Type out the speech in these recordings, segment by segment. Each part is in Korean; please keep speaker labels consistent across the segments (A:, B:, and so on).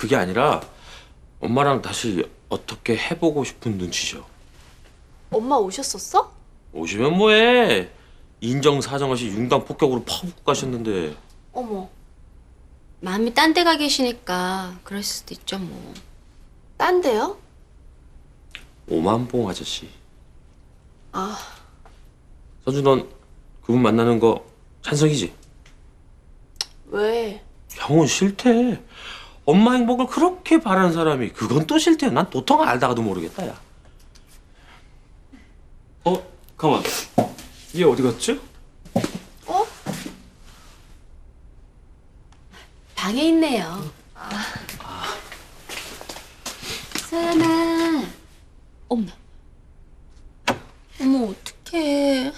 A: 그게 아니라 엄마랑 다시 어떻게 해보고 싶은 눈치죠.
B: 엄마 오셨었어?
A: 오시면 뭐해. 인정사정 없이 융당 폭격으로 파묻고 가셨는데.
B: 어머,
C: 마음이 딴 데 가 계시니까 그럴 수도 있죠 뭐.
B: 딴 데요?
A: 오만봉 아저씨.
B: 아,
A: 선주, 넌 그분 만나는 거 찬성이지?
B: 왜?
A: 형은 싫대. 엄마 행복을 그렇게 바라는 사람이 그건 또 싫대. 난 도통 알다가도 모르겠다, 야.
D: 가만. 얘 어디 갔지?
B: 어?
C: 방에 있네요. 서연아. 어머. 어머 어떡해.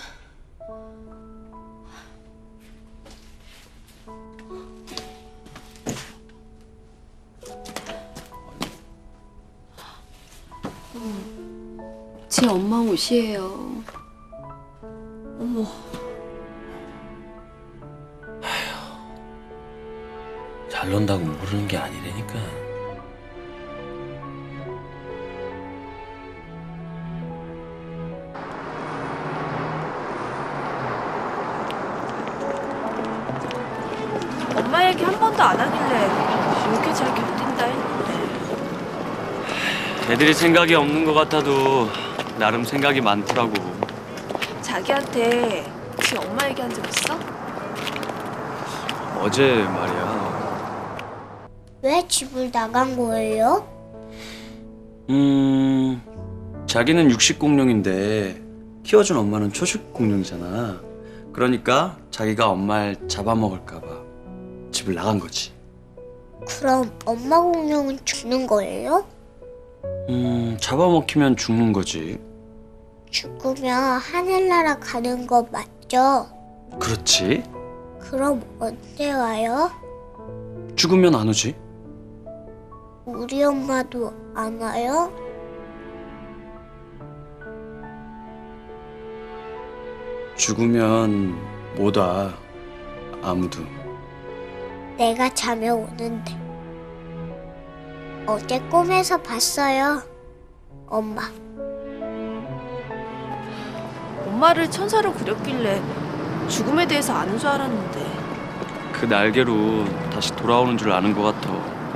C: 제 엄마 옷이에요.
B: 어머,
A: 잘 논다고 모르는 게 아니라니까.
B: 엄마 얘기 한 번도 안 하길래 이렇게 잘 견딘다 했는데.
D: 애들이 생각이 없는 것 같아도 나름 생각이 많더라고.
B: 자기한테 지 엄마 얘기한 적 있어?
D: 어제 말이야.
E: 왜 집을 나간 거예요?
D: 자기는 육식 공룡인데 키워준 엄마는 초식 공룡이잖아. 그러니까 자기가 엄마를 잡아먹을까 봐 집을 나간 거지.
E: 그럼 엄마 공룡은 죽는 거예요?
D: 잡아먹히면 죽는 거지.
E: 죽으면 하늘나라 가는 거 맞죠?
D: 그렇지.
E: 그럼 언제 와요?
D: 죽으면 안 오지.
E: 우리 엄마도 안 와요?
D: 죽으면 못 와. 아무도.
E: 내가 자면 오는데. 어제 꿈에서 봤어요. 엄마.
B: 엄마를 천사로 그렸길래 죽음에 대해서 아는 줄 알았는데.
D: 그 날개로 다시 돌아오는 줄 아는 것 같아.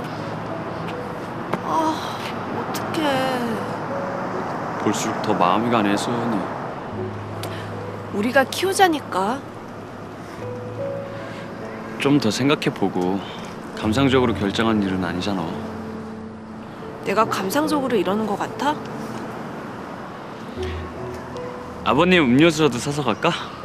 B: 아, 어떡해.
D: 볼수록 더 마음이 가네, 소연이.
B: 우리가 키우자니까.
D: 좀 더 생각해보고 감상적으로 결정한 일은 아니잖아.
B: 내가 감상적으로 이러는 것 같아?
D: 아버님 음료수라도 사서 갈까?